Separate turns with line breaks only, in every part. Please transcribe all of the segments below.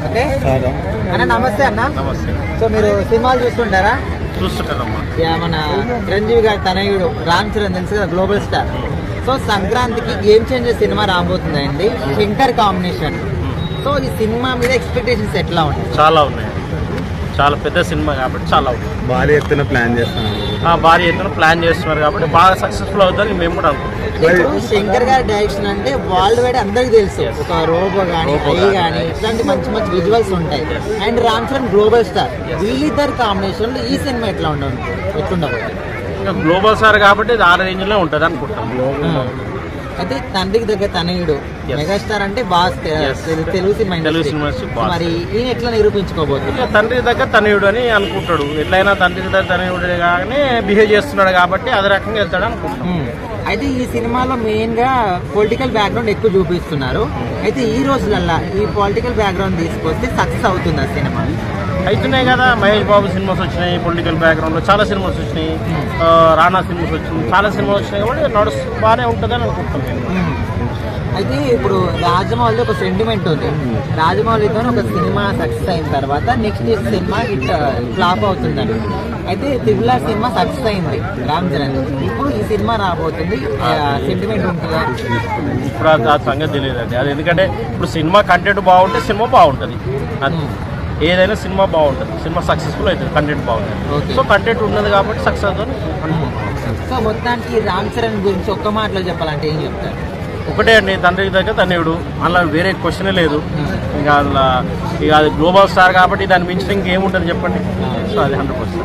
Okay అన్న, నమస్తే అన్న.
నమస్తే.
సో మీరు సినిమాలు చూస్తుంటారా?
చూస్తుంటారమ్మా.
మన చిరంజీవి గారి తనయుడు రామ్ చరణ్ తెలుసు కదా, గ్లోబల్ స్టార్. సో సంక్రాంతికి గేమ్ చేంజర్ సినిమా రాబోతుందండి, శంకర్ కాంబినేషన్. సో ఈ సినిమా మీద ఎక్స్పెక్టేషన్స్ ఎట్లా ఉంటాయి?
చాలా ఉన్నాయి, చాలా పెద్ద సినిమా కాబట్టి చాలా ఉన్నాయి.
భారీ ఎత్తున ప్లాన్ చేస్తున్నాను.
భారీ ఎత్తున ప్లాన్ చేస్తున్నారు కాబట్టి బాగా సక్సెస్ఫుల్ అవుతుందని మేము కూడా అనుకుంటున్నాం.
ఇప్పుడు శంకర్ గారి డైరెక్షన్ అంటే వరల్డ్ వైడ్ అందరికి తెలుసు, ఒక రోబో కానీ ఐ కానీ ఇట్లాంటి మంచి మంచి విజువల్స్ ఉంటాయి. And Ram Charan global star, వీళ్ళిద్దరు కాంబినేషన్ లో ఈ సినిమా ఎట్లుండబోతుంది?
ఇంకా గ్లోబల్ స్టార్ కాబట్టి ఇది ఆ రేంజ్లో ఉంటుంది అనుకుంటాం.
అయితే తండ్రికి దగ్గర తనయుడు మెగాస్టార్ అంటే బాస్, తెలుగు సినిమా ఇండస్ట్రీ. మరి ఈయన ఎట్లా నిరూపించుకోబోతుంది?
తండ్రి దగ్గర తనయుడు అని అనుకుంటాడు. ఎట్లయినా తండ్రి దగ్గర తనయుడు కానీ బిహేవ్ చేస్తున్నాడు కాబట్టి అదే రకంగా వెళ్తాడు అనుకుంటాం.
అయితే ఈ సినిమాలో మెయిన్ గా పొలిటికల్ బ్యాక్గ్రౌండ్ ఎక్కువ చూపిస్తున్నారు. అయితే ఈ రోజులల్లా ఈ పొలిటికల్ బ్యాక్గ్రౌండ్ తీసుకొస్తే సక్సెస్ అవుతుంది ఆ సినిమా?
అవుతున్నాయి కదా, మహేష్ బాబు సినిమాస్ వచ్చినాయి, పొలిటికల్ బ్యాక్గ్రౌండ్ లో చాలా సినిమాస్ వచ్చినాయి, రానా సినిమాస్ వచ్చినాయి, చాలా సినిమాలు వచ్చినాయి కాబట్టి బాగానే ఉంటుందని అనుకుంటున్నాను.
అయితే ఇప్పుడు రాజమౌళి ఒక సెంటిమెంట్ ఉంది, రాజమౌళితో ఒక సినిమా సక్సెస్ అయిన తర్వాత నెక్స్ట్ సినిమా హిట్ ఫ్లాప్ అవుతుందని. అయితే త్రిబుల్ ఆర్ సినిమా సక్సెస్ అయింది రామ్ చరణ్, ఇప్పుడు ఈ సినిమా రాబోతుంది, సెంటిమెంట్ ఉంటుందా?
ఇప్పుడు ఆ సంగతి తెలియదండి. అది ఎందుకంటే ఇప్పుడు సినిమా కంటెంట్ బాగుంటే సినిమా బాగుంటుంది. ఏదైనా సినిమా బాగుంటుంది, సినిమా సక్సెస్ఫుల్ అవుతుంది, కంటెంట్ బాగుంటుంది. సో కంటెంట్ ఉన్నది కాబట్టి సక్సెస్ అవుతుంది.
సో మొత్తానికి రామ్ చరణ్ గురించి ఒక్క మాటలో చెప్పాలంటే ఏం చెప్తారు?
ఒకటే అండి, తండ్రికి దగ్గర తనయుడు, అందులో వేరే క్వశ్చనే లేదు. ఇంకా అందులో ఇక అది గ్లోబల్ స్టార్ కాబట్టి దాని మించిన ఇంకేముంటుంది చెప్పండి. సో అది 100%.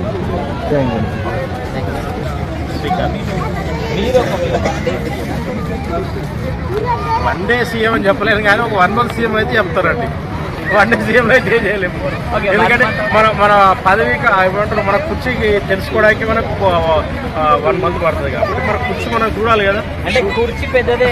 శ్రీకాంత్ వన్ డే సీఎం అని చెప్పలేను కానీ ఒక 1 month సీఎం అయితే చెప్తారండి. 1 day సీఎం అయితే చేయలేము. ఎందుకంటే మన పదవికి ఏమంటారు, మన కుర్చీకి తెలుసుకోవడానికి మనకు 1 month పడుతుంది కాబట్టి మన కుర్చీ మనం చూడాలి కదా.
అంటే కుర్చీ పెద్దదే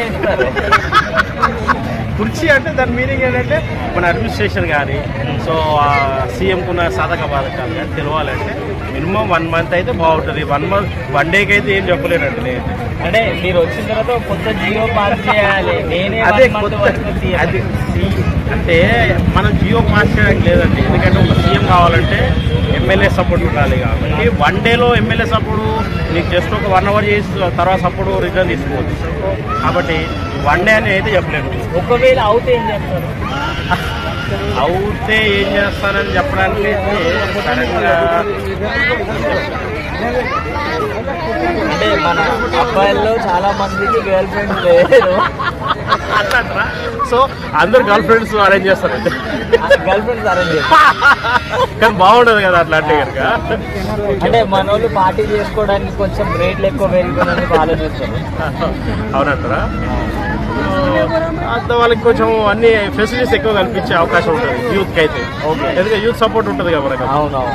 కుర్చీ అంటే దాని మీనింగ్ ఏంటంటే మన అడ్మినిస్ట్రేషన్ కానీ, సో సీఎంకున్న సాధక బాధకాలు కానీ తెలియాలంటే మినిమం 1 month అయితే బాగుంటుంది. 1 dayకి అయితే ఏం చెప్పలేనండి నేను.
అంటే మీరు వచ్చిన తర్వాత కొత్త జియో పాస్ చేయాలి,
అదే అది అంటే మనం జియో పాస్ చేయడానికి లేదండి. ఎందుకంటే ఒక సీఎం కావాలంటే ఎమ్మెల్యే సపోర్ట్ ఉండాలి కాబట్టి 1 dayలో ఎమ్మెల్యే సపోర్టు నీకు జస్ట్ ఒక 1 hour చేసి తర్వాత సపోర్టు రిటర్న్ తీసుకోవచ్చు. కాబట్టి 1 day అని అయితే చెప్పలేను.
ఒకవేళ అవుతే ఏం చేస్తారు?
అవుతే ఏం చేస్తానని చెప్పడానికి
అంటే మన అబ్బాయిల్లో చాలా మందికి గర్ల్ ఫ్రెండ్స్ లేరు,
అట్లా సో అందరు గర్ల్ ఫ్రెండ్స్ అరేంజ్ చేస్తారండి.
గర్ల్ ఫ్రెండ్స్ అరేంజ్
కానీ బాగుండదు కదా అట్లా అంటే కనుక.
అంటే మన వాళ్ళు పార్టీ చేసుకోవడానికి కొంచెం రేట్లు ఎక్కువ పెరిగిపోయినందుకు ఆలోచిస్తారు.
అవునంటారా? అంత వాళ్ళకి కొంచెం అన్ని ఫెసిలిటీస్ ఎక్కువ కల్పించే అవకాశం ఉంటుంది యూత్కి అయితే. ఓకే, ఎందుకంటే యూత్ సపోర్ట్ ఉంటుంది కదా మనకు.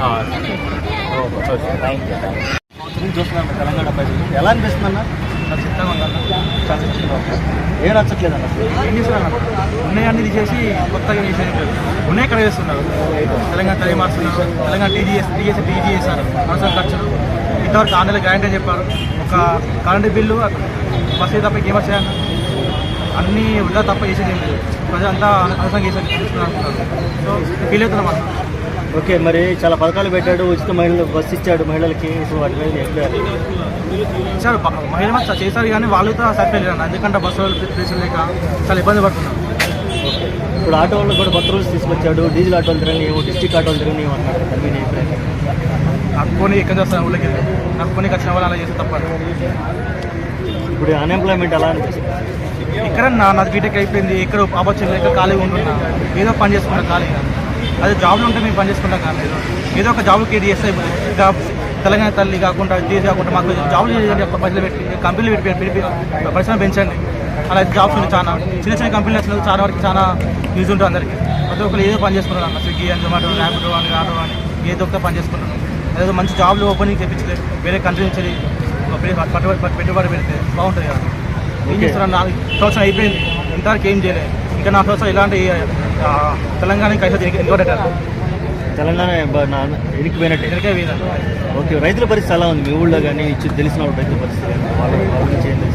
చూస్తున్నాను తెలంగాణ ప్రజలు ఎలా అనిపిస్తుందన్న? చిత్తంగా ఉందన్న, ఏం నచ్చట్లేదన్న. ఏం చేస్తున్నారు? ఉన్నాయన్నీ తీసేసి కొత్తగా చేసేది ఉన్నాయి కదా చేస్తున్నారు. తెలంగాణ తల్లి మార్చున్నారు, తెలంగాణ టీజీఎస్ అవసరం ఖర్చులు ఇంతవరకు 6 నెలలు గ్యారెంటీ చెప్పారు. ఒక కరెంటు బిల్లు బస్సు తప్ప ఏం వచ్చాయన్న, అన్నీ వృధా తప్ప చేసేది ఏం లేదు. ప్రజలంతా అనవసరంగా చేసేది అనుకుంటున్నారు. సో ఫీల్ అవుతున్నాం అన్న.
ఓకే, మరి చాలా పథకాలు పెట్టాడు, ఉచిత మహిళలు బస్సు ఇచ్చాడు మహిళలకి. సో వాటి మీద
ఇచ్చారు, మహిళ చేశారు కానీ వాళ్ళతో సరిపోలేదు అన్న. ఎందుకంటే బస్సు ప్లేసులు లేక చాలా ఇబ్బంది పడుతున్నాం.
ఓకే, ఇప్పుడు ఆటో వాళ్ళు కూడా కొత్త రూల్స్ తీసుకొచ్చాడు, డీజిల్ ఆటోలు తిరగనివ్వు, డిస్ట్రిక్ట్ ఆటోలు తిరగనివ్వు అన్నారు. దాని మీద
నాకు కొని ఎక్కడ వస్తాను ఊళ్ళకి, నాకు కొని వచ్చిన వాళ్ళు అలా చేస్తే తప్పదు.
ఇప్పుడు అన్ఎంప్లాయ్మెంట్ ఎలా అనిపిస్తుంది?
ఎక్కడ నాది బీటెక్ అయిపోయింది, ఎక్కడ ఆపర్చునిటీ ఎక్కడ ఖాళీగా ఉంటున్నా, ఏదో పని చేసుకుంటా ఖాళీగా. అదే జాబ్లో ఉంటే మేము పని చేసుకుంటాం కానీ ఏదో ఒక జాబ్కి ఇది చేస్తే జాబ్ తెలంగాణ తల్లి కాకుండా ఇది కాకుండా మాకు జాబ్లు చేయండి, ప్రజలు పెట్టి కంపెనీలు పెట్టి పరిశ్రమ పెంచండి. అలా జాబ్స్ ఉంది చాలా చిన్న చిన్న కంపెనీలు వచ్చిన చాలా వరకు చాలా యూజ్ ఉంటుంది అందరికీ. ప్రతి ఒక్కరు ఏదో పని చేసుకుంటారు అన్న, స్విగ్గీ అని, జొమాటో, ర్యాపిడో అని, ఆటో అని ఏదో ఒక పని చేసుకుంటారు. అదే మంచి జాబ్లు ఓపెనింగ్ తెప్పించలేదు, వేరే కంట్రీ నుంచి పెట్టుబడి పెడితే బాగుంటుంది కదా. ఏం చేస్తున్నారు? 4 సంవత్సరం అయిపోయింది, ఇంతవరకు ఏం చేయలేదు. ఇంకా 4 సంవత్సరాలు ఇలాంటి తెలంగాణకి అయితే ఇంకోటేటారు.
తెలంగాణ వెనక్కిపోయినట్టే.
పోయింది.
ఓకే, రైతుల పరిస్థితి ఎలా ఉంది మీ ఊళ్ళో కానీ? తెలిసిన రైతుల పరిస్థితి వాళ్ళ గురించి ఏం తెలుసు?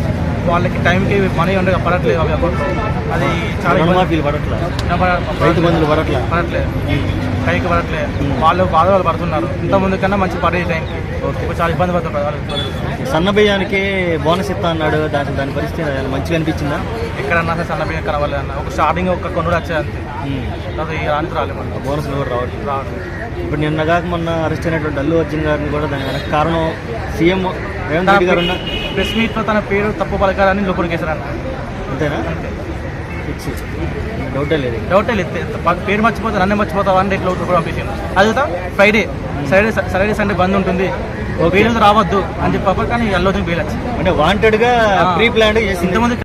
వాళ్ళకి టైంకి మనీ ఉండగా పడట్లేదు అవి అకౌంట్లో. అది చాలా
రుణమాఫీలు పడట్లా, రైతు బంధువులు పడట్లా.
పడట్లేదు, పైకి పడట్లేదు. వాళ్ళు వాళ్ళు పడుతున్నారు. ఇంతకుముందు కన్నా మంచి పడేది టైంకి. ఇప్పుడు చాలా ఇబ్బంది పడుతున్నారు వాళ్ళు.
సన్న బియ్యానికి బోనస్ ఇస్తా అన్నాడు, దాని పరిస్థితి మంచిగా అనిపించిందా?
ఎక్కడన్నా సరే సన్న బియ్యం కనవాలి అన్న. ఒక స్టార్టింగ్ ఒక కొనుడు వచ్చేది అంతే, అది రానికి రాలేదు మన
బోనస్ కూడా రావట్లేదు.
రావట్లేదు.
ఇప్పుడు నిన్న కాక మొన్న అరెస్ట్ అయినటువంటి అల్లు అర్జున్ గారిని కూడా దాని వెనక కారణం సీఎం రేవంత్ రెడ్డి గారు ఉన్న
ప్రెస్ మీట్లో తన పేరు తప్పు పలకాలని లోపలికి వేశారన్న.
అంతేనా?
అంతే,
ఫిక్స్, డౌటే లేదు.
డౌటే లేదు. పేరు మర్చిపోతా నన్నే మర్చిపోతావా అంటే ఇట్లా కూడా పంపించాను. అది కూడా ఫ్రైడే సాటర్డే సండే బంద్ ఉంటుంది, బెయిల్ రావద్దు అని చెప్పారు. కానీ అల్లు అర్జున్ బెయిల్ వచ్చింది.
అంటే వాంటెడ్ గా ప్రీ ప్లాన్ చేసి
ఇంతకుముందు